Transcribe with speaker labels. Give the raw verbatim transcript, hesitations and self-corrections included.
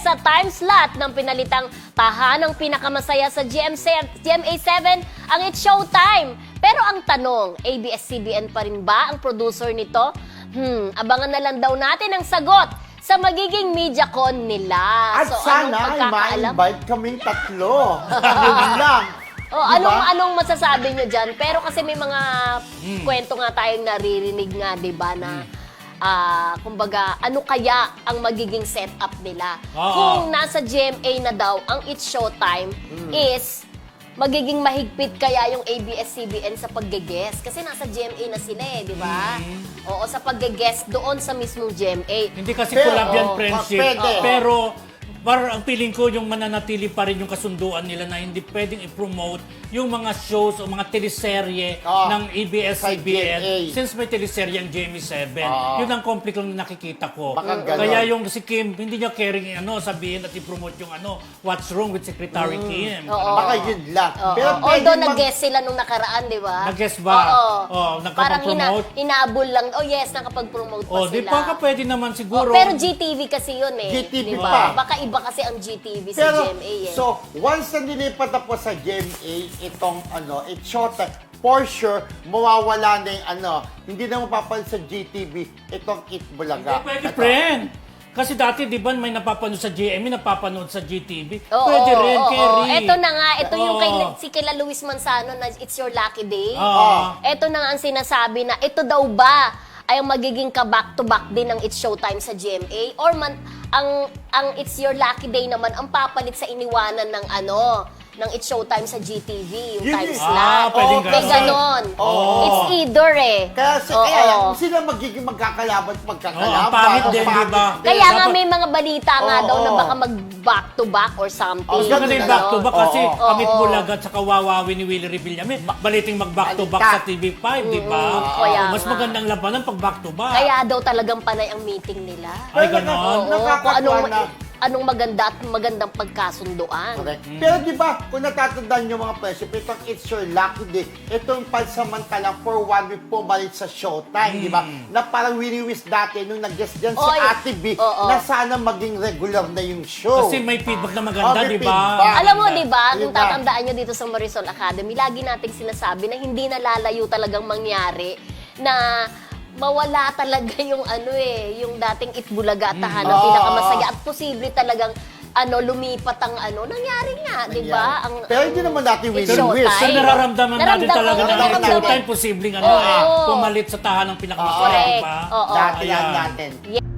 Speaker 1: sa time slot ng pinalitang tahanang pinakamasaya sa G M A seven ang It's Showtime. Pero ang tanong, A B S C B N pa rin ba ang producer nito? Hmm, abangan na lang daw natin ang sagot sa magiging MediaCon nila.
Speaker 2: At
Speaker 1: so,
Speaker 2: sana
Speaker 1: anong
Speaker 2: ay
Speaker 1: pagkakaalam?
Speaker 2: ma-invite kaming tatlo. Yun lang.
Speaker 1: Oh,
Speaker 2: Diba?
Speaker 1: anong anong masasabi nyo dyan? Pero kasi may mga
Speaker 2: Hmm.
Speaker 1: kwento nga tayong naririnig nga, 'di ba, na ah, kumbaga, ano kaya ang magiging setup nila?
Speaker 3: Oo.
Speaker 1: Kung nasa G M A na daw ang It's Showtime
Speaker 2: Hmm.
Speaker 1: is magiging mahigpit kaya yung A B S C B N sa pagge-guest kasi nasa G M A na sila eh, 'di ba?
Speaker 2: Hmm.
Speaker 1: Oo, sa pagge-guest doon sa mismong G M A.
Speaker 3: Hindi kasi
Speaker 2: Pero,
Speaker 3: collab yan,
Speaker 2: oh,
Speaker 3: friendship.
Speaker 2: pwede.
Speaker 3: Pero, parang ang feeling ko, yung mananatili pa rin yung kasunduan nila na hindi pwedeng i-promote yung mga shows o mga teleserye
Speaker 2: Ah,
Speaker 3: ng A B S C B N.
Speaker 2: sa G M A.
Speaker 3: Since may teleserye ang G M A seven.
Speaker 2: Ah.
Speaker 3: Yun ang conflict lang na nakikita ko.
Speaker 2: Baka ganon.
Speaker 3: Kaya yung si Kim, hindi niya caring ano, sabihin at i-promote yung ano, What's Wrong with Secretary Kim.
Speaker 1: Mm. Oo.
Speaker 2: Baka yun lang.
Speaker 1: Oo.
Speaker 2: Pero
Speaker 1: Although
Speaker 2: pwede mag-
Speaker 1: nag-guest sila nung nakaraan, di ba?
Speaker 3: Nag-guest ba?
Speaker 1: Oo.
Speaker 3: Oo,
Speaker 1: Parang ina
Speaker 3: nakapag-promote?
Speaker 1: inabol lang. Oh yes, nakapag-promote pa
Speaker 3: Oh,
Speaker 1: sila.
Speaker 3: di ba ka pwede naman siguro.
Speaker 1: Oh, pero G T V kasi yun eh.
Speaker 2: G T V
Speaker 1: di
Speaker 2: pa.
Speaker 1: ba? Baka iba kasi ang G T V sa
Speaker 2: Pero,
Speaker 1: G M A eh.
Speaker 2: so, once na nilipat na po sa G M A, itong, ano, It's Showtime, for sure, mawawala na yung, ano, hindi na mapapalit sa G T V, itong It Bulaga.
Speaker 3: Hindi pwede,
Speaker 2: Ito.
Speaker 3: friend. Kasi dati, di ba, may napapanood sa G M A, napapanood sa G T V.
Speaker 1: Oo,
Speaker 3: Pwede rin,
Speaker 1: oo,
Speaker 3: Kerry.
Speaker 1: oo. Ito na nga, ito yung kay,
Speaker 3: Oo.
Speaker 1: si kila Luis Manzano na It's Your Lucky Day.
Speaker 3: Oo.
Speaker 1: Ito na nga ang sinasabi na ito daw ba ay ang magiging ka-back-to-back din ng It's Showtime sa G M A? Or man, ang, ang It's Your Lucky Day naman ang papalit sa iniwanan ng ano, ng It's Showtime sa G T V, yung
Speaker 2: Yun
Speaker 1: time
Speaker 2: yun.
Speaker 1: slot.
Speaker 3: Ah, pwedeng
Speaker 1: May
Speaker 3: ganon.
Speaker 1: ganon.
Speaker 2: Oo.
Speaker 1: It's either eh.
Speaker 2: Kaya, si,
Speaker 1: Oo.
Speaker 2: kaya sila magiging magkakalaban at magkakalaban.
Speaker 3: Oo, ang pangit
Speaker 2: Ang
Speaker 3: din,
Speaker 2: pangit
Speaker 3: di ba?
Speaker 2: din.
Speaker 1: Kaya nga
Speaker 3: Dapat-
Speaker 1: may mga balita nga
Speaker 2: Oo,
Speaker 1: daw na
Speaker 2: oo.
Speaker 1: baka mag-back-to-back or something.
Speaker 2: Oh,
Speaker 3: Gusto ko na yung
Speaker 1: Ano?
Speaker 3: back to back kasi
Speaker 2: Oo.
Speaker 3: Kamit
Speaker 1: Oo.
Speaker 3: Bulaga at saka Wawawi ni Willie Revillame. Baliting mag back to back
Speaker 2: Balita.
Speaker 3: sa T V five, di ba?
Speaker 1: kaya
Speaker 3: Mas
Speaker 1: nga.
Speaker 3: magandang labanan pag back to back.
Speaker 1: Kaya daw talagang panay ang meeting nila.
Speaker 3: Ay,
Speaker 2: Pero
Speaker 3: ganon?
Speaker 1: Oo, kung
Speaker 2: nakakatuwa
Speaker 1: anong,
Speaker 2: na.
Speaker 1: anong maganda at magandang pagkasunduan.
Speaker 2: Correct. Pero di ba, kung natatandaan nyo mga presyo, itong It's Your Lucky Day, itong pansamantalang for one week pumalit sa Showtime, di ba? Na parang wini-wish dati nung nag-guest dyan si
Speaker 1: Oy,
Speaker 2: Ate B,
Speaker 1: oo.
Speaker 2: na sana maging regular na yung show.
Speaker 3: Kasi may feedback na
Speaker 2: Oh,
Speaker 3: maganda,
Speaker 2: may
Speaker 3: di ba?
Speaker 2: feedback.
Speaker 1: Alam mo, di ba, kung
Speaker 2: Diba?
Speaker 1: tatandaan nyo dito sa Marisol Academy, lagi nating sinasabi na hindi nalalayo talagang mangyari na mawala talaga yung ano eh, yung dating Itbulaga at tahanang
Speaker 2: Oo.
Speaker 1: pinakamasaya at posible talagang ano, lumipat ang ano, nangyari nga, di ba? Ang,
Speaker 2: Pero hindi naman natin
Speaker 1: It's
Speaker 2: wini-wish.
Speaker 1: Showtime.
Speaker 3: So nararamdaman natin
Speaker 1: Naramdaman-
Speaker 3: talaga na
Speaker 2: Nararamdaman
Speaker 3: ang
Speaker 2: natin.
Speaker 3: Showtime, posibleng ano
Speaker 1: Oo.
Speaker 3: eh, pumalit sa tahanang pinakamasaya, di
Speaker 1: Correct.
Speaker 3: ba?
Speaker 1: Oo.
Speaker 2: Dati lang
Speaker 3: Ayan.
Speaker 2: natin.
Speaker 1: Yeah.